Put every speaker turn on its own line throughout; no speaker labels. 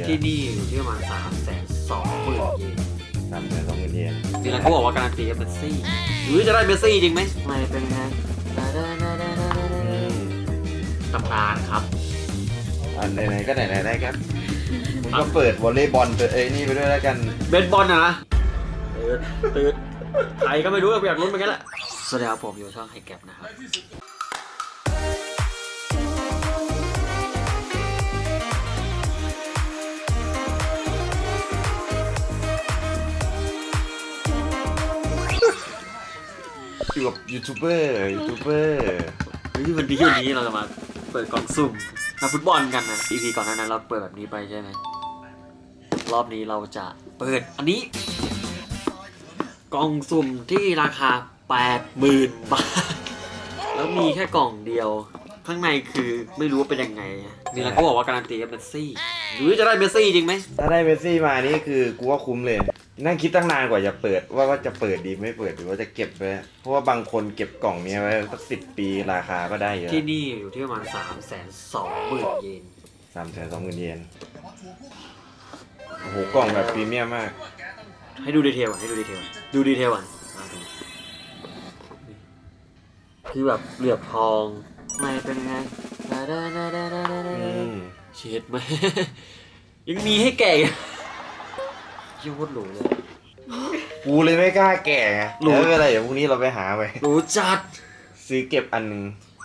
ที่นี่อยู่ที่ประมาณ320,000 เยน
320,000 เยน
นี่เราก็บอกว่าการันตีกับเมสซี่หรือจะได้เมสซี่จริงไหมไม่เป็นไงตำนานครับ
ไหนๆก็ไหนๆได้ครับผมก็เปิดวอลเลย์บอลเปิดนี่ไปด้วยแล้วกัน
เบสบอลนะตื่นใครก็ไม่รู้อยากลุ้นเหมือนกันแหละสวัสดีครับผมอยู่ช่องไฮแก็บนะครับ
อยู่กับยูทูบเบอร์
วันนี้เราจะมาเปิดกล่องสุ่มนักฟุตบอลกันนะ EP ก่อนหน้านั้นเราเปิดแบบนี้ไปใช่ไหมรอบนี้เราจะเปิดอันนี้กล่องสุ่มที่ราคา 80,000 บาทแล้วมีแค่กล่องเดียวข้างในคือไม่รู้ว่าเป็นยังไงนี่เราก็บอกว่าการันตีกับเมสซี่หรือจะได้เมสซี่จริงไหม
ถ้าได้เมสซี่มานี่คือกูว่าคุ้มเลยนั่งคิดตั้งนานกว่าจะเปิดว่าจะเปิดดีไม่เปิดหรือว่าจะเก็บไว้เพราะว่าบางคนเก็บกล่องนี้ไว้สัก10 ปีราคาก็ได้เยอะ
ที่นี่อยู่ที่ประมาณ320,000 เยน
320,000 เยนโอ้โหกล่องแบบพรีเมียมมาก
ให้ดูดีเทลก่อนดูดีเทลก่อนคือแบบเหลือบทองไม่เป็นไงเช็ดไหมยังมีให้แก่ยิ่งโคตรหรูเลย
กูเลยไม่กล้าแก่ไงไม่เป็นไรเดี๋ยวพรุ่งนี้เราไปหาไป
หรูจัด
ซื้อเก็บอันนึง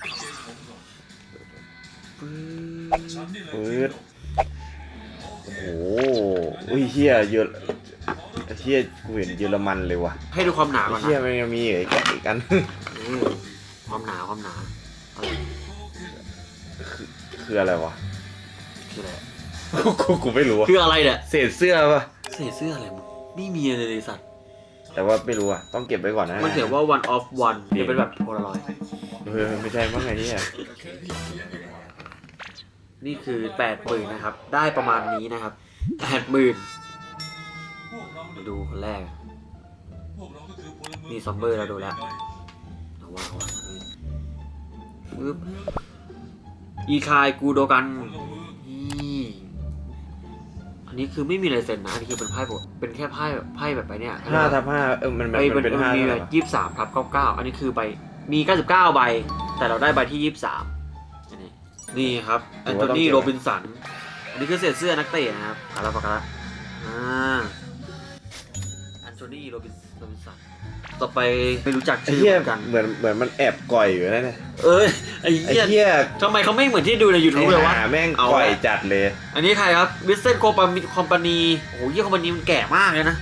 ปื๊ดโอ้โหอุ้ยเฮียเยอะเฮียกูเห็นเยอรมันเลยว่ะ
ให้ดูความหนาก่อนนะ
เฮียมันยังมีอีกอัน
ความหนาอะไร
คืออะไรวะ
คืออะไร
กูไม่รู้
คืออะไรเนี่ย
เศษเสื้อป่ะ
เศษเสื้ออะไรมึงไม่มีอะไรเลยสัตว์
แต่ว่าไม่รู้อ่ะต้องเก็บไว้ก่อนนะ
มันเขียนว่า one of one เดี๋ยวเป็นแบบโพลารอยด์
ไม่ใช่มั้งไงเนี่ย
นี่คือ 80,000 นะครับได้ประมาณนี้นะครับ 80,000 มาดูคนแรกนี่ซอมเบอร์เราดูแล้วว้าวปึ๊บอีคายกูโดกันอันนี้คือไม่มีลายเซ็นนะอันนี้คือเป็นไพ่เป็นแค่ไพ่แบบไปเนี่ย
5/5มันเป็น5
มีแบบ23/99อันนี้คือใบมี99 ใบแต่เราได้ใบที่23นี่ครับแอนโทนีโรบินสันอันนี้คือเศษเสื้อนักเตะนะครับปากกาแอนโทนีโรบินสันต่อไปไม่รู้จักชื่อกัน
เหมือนมันแอบก่อยอยู่นั่นแหละ
ไอ้เหี้ยทำไมเขาไม่เหมือนที่ดูใน YouTube เลยวะ
แม่งก่อยจัดเลย
อันนี้ใครครับวิสเซนโคคอมพานีโอ้โหยี่คอมพานีมันแก่มากเลยนะ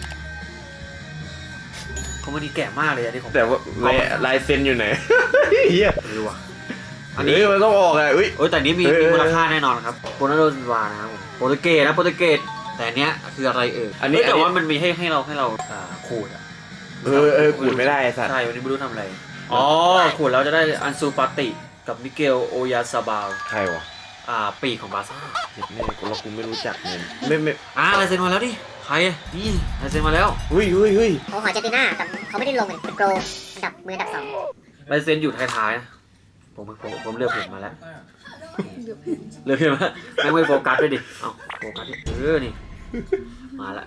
คอมพานีแก่มากเลยอันนี้ของ
แต่ว่าลายเซ็นอยู่ไหนเฮีย
ไม่รู้ว่ะ
อันนี้มันต้องออกไง
แต่นี้มีมูลค่าแน่นอนครับโรนัลโดซิลวานะครับโปรตุเกสแต่อันเนี้ยคืออะไรอันนี้แต่ว่ามันมีให้เราขูด
ขูดไม่ได้สัตว์
ใช่วันนี้ไม่รู้ทำอะไรขูดแล้วจะได้อันซูฟาติกับมิเกลโอยาซาบาล
ใครวะ
ปีกของบาซ่า
เนี่ยกูไม่รู้จักเนี่ยไม่
ลายเซ็นมาแล้วดิใครนี่ลายเซ็นมาแล้ว
หุ้ย
เขาหอเจติน่าแต่เขาไม่ได้ลงเป็นโกลอันดับมืออันดับ2
ลายเซ็นอยู่ท้ายๆนะผมเลือกผมมาแล้วเลือกมาไม่โฟกัสด้วยดิโฟกัสดินี่มาละ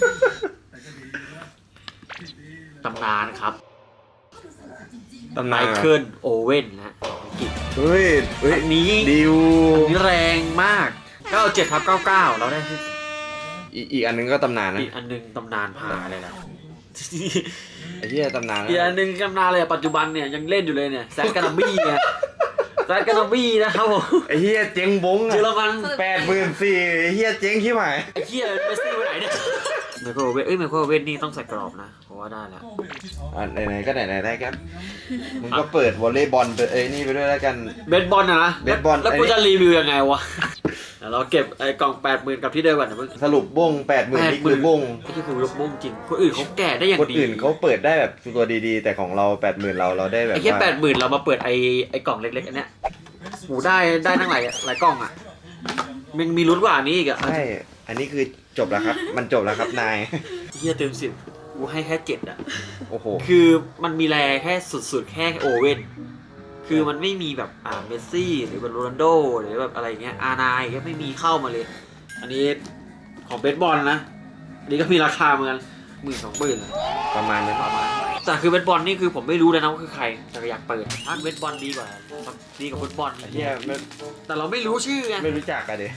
ตำนานครับไมเคิลโอเว่นนะอังกฤษ
นี้ดิว
นี่แรงมาก97/99เราได้
อีกอันนึงก็ตำนานนะ
อีกอันนึงตำนานพาอะไรล่ะ
ไอ้เหี้ยตำนาน
อีกอันนึงตำนานเลยปัจจุบันเนี่ยยังเล่นอยู่เลยเนี่ยแซดกานาบี้เนี่ยนะครับผม
ไอ้เหี้ยเจ๊งบง
เยอรมัน
84,000ไอ้เหี้ยเจ๊งที่ไหน
ไอ้เหี้ยเมสซี่ไปไหนเนี่ยไมเคิลโอเว่นนี่ต้องใส่กรอบนะเพราะว่าได้แล้ว
ไหนๆก็ไหนๆได้ครับมึงก็เปิดวอลเลย์บอลเปิดนี่ไปด้วยแล้วกัน
เบสบอลนะ
เบสบอล
แล้วกูจะรีวิวยังไงวะเราเก็บไอ้กล่อง 80,000 กับที่เดิมก่อนนะมึง
สรุปบง 80,000นี่คือบง
นี่คือยกบงจริงคนอื่นเขาแก่ได้อย่างดี
คนอื่นเขาเปิดได้แบบตัวดีๆแต่ของเรา 80,000เราได้แบบ
ไอ้แค่ 80,000เรามาเปิดไอ้กล่องเล็กๆอันเนี้ยโหได้ทั้งหลายกล่องอ่ะมันมีลุ้นกว่านี้อีกอ่ะ
ใช่อันนี้คือจบแล้วครับมันจบแล้วครับนาย
เฮียเต็ม10กูให้แค่7อ่ะ
โอ้โห
คือมันมีแรแค่สุดๆแค่โอเว่นคือมันไม่มีแบบเมสซี่หรือแบบโรนัลโดหรือแบบอะไรเงี้ยR9ก็ไม่มีเข้ามาเลยอันนี้ของเบสบอลนะอันนี้ก็มีราคาเหมือนกัน10,000-20,000
ประมาณนั้น
แต่คือเบสบอลนี่คือผมไม่รู้เลยนะว่าคือใครแต่ก็อยากเปิดถ้าเบสบอลดีกว่าฟุตบอล
ไอ้เหี้ยไม่
แต่เราไม่รู้ชื่อไง
ไม่รู้จักกันดิ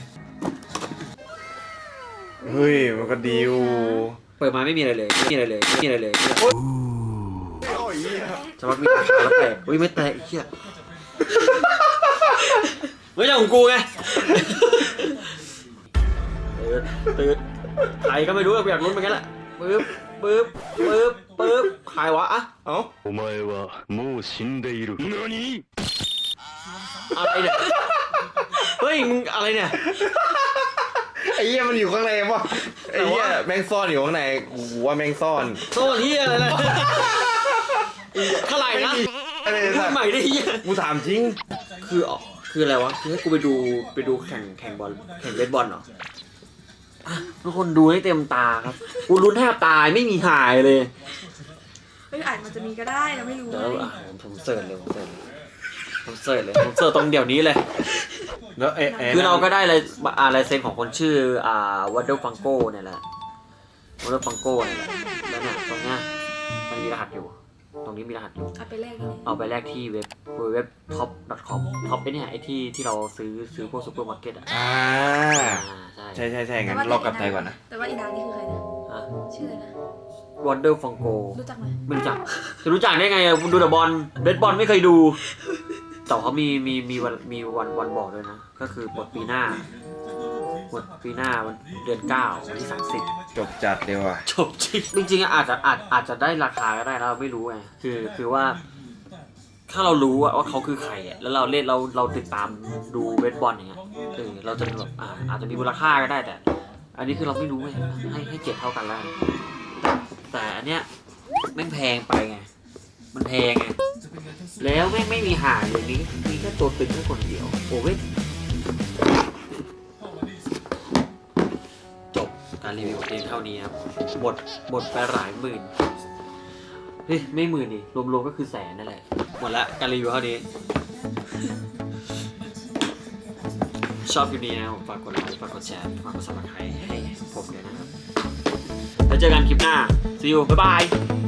เฮ้ยมันก็ดีอยู่
เปิดมาไม่มีอะไรเลย
โอ้ยเหี้ย
จะว่ามีราคาแล้วแตกอุ้ยไม่แตกไอ้เหี้ยไม่ใช่ของกูไงตื่นใครก็ไม่รู้อยากลุ้นเหมือนกันแหละปึ๊บใครวะอะ
เอ้า
お前はもう死んでいる。何？
อะไรเนี่ยเฮ้ยมึงอะไรเนี่ย
ไอ้เหี้ยมันอยู่ข้างในวะไอ้เหี้ยแมงซ่อนอยู่ข้างในกูว่าแมงซ่อน
โซ่เหี้ยอะไรเลยเท่าไหร่นะ
อะไร
พูด
นะ
ใหม่ได้เหี้ย
กูถามจริง
คืออะไรวะคือให้กูไปดูแข่งบอลแข่งเบสบอลเหรออ่ะทุกคนดูให้เต็มตาครับกูลุ้นแทบตายไม่มีหายเลย
ไม่อาจมันจะมีก็ได้เราไม่รู้
เดี๋ยว
ไง
ผมเสิร์ชตรงเดี๋ยวนี้เลย
แล้วไอ้
คือเราก็ได้ลายเซ็นของคนชื่อวัดเดอร์ฟังโก้เนี่ยแหละวัดเดอร์ฟังโก้เนี่ยแหละแล้วเนี่ยตรงเนี้ยมันมีรหัสอยู่ ตรงนี้มีรหัสอยู่
เอาไปแลกยังไง
เอาไปแลกที่เว็บ top.com ท็อปไอ้เนี่ยไอ้ที่เราซื้อพวกซูเปอร์มาร์เก็ตอ่ะ
ใช่งั้นรอกลับไทยก่อนนะ
แต่ว่าอีนางนี่คือใครนะ
อ่ะ
ชื่ออะไรนะ
วัดเดอร์ฟังโก
รู้จักไหม
ไม่รู้จักจะรู้จักได้ไงอะคุณดูแต่บอลเบสบอลไม่เคยดูแต่เขามีวันบอกด้วยนะก็คือหมดปีหน้าวันเดือน9วันที่30
จบจัดเดียวอ่ะ
จบจริงๆอะอาจจะได้ราคาก็ได้นะเราไม่รู้ไงคือว่า ถ้าเรารู้ว่าเขาคือใครอ่ะแล้วเราเล่นเราติดตามดูเบสบอลอย่างเงี้ยเราจะแบบอาจจะมีมูลค่าก็ได้แต่ อันนี้คือเราไม่รู้ไงให้เก็บเท่ากันแล้วแต่อันเนี้ยแม่งแพงไปไงมันแพงไงแล้วแม่งไม่มีหาเลยมีแค่ตัวตึงแค่คนเดียวโอ้เว้ยจบการรีวิวเองเท่านี้ครับหมดไปหลายหมื่นเฮ้ยไม่หมื่นดิรวมๆก็คือแสนนั่นแหละหมดละการรีวิวเท่านี้ชอบคลิปนี้นะฝากกดไลค์ฝากกดแชร์ฝากกดซับสไครต์ให้ผมด้วยนะครับแล้วเจอกันคลิปหน้า see you บ๊ายบาย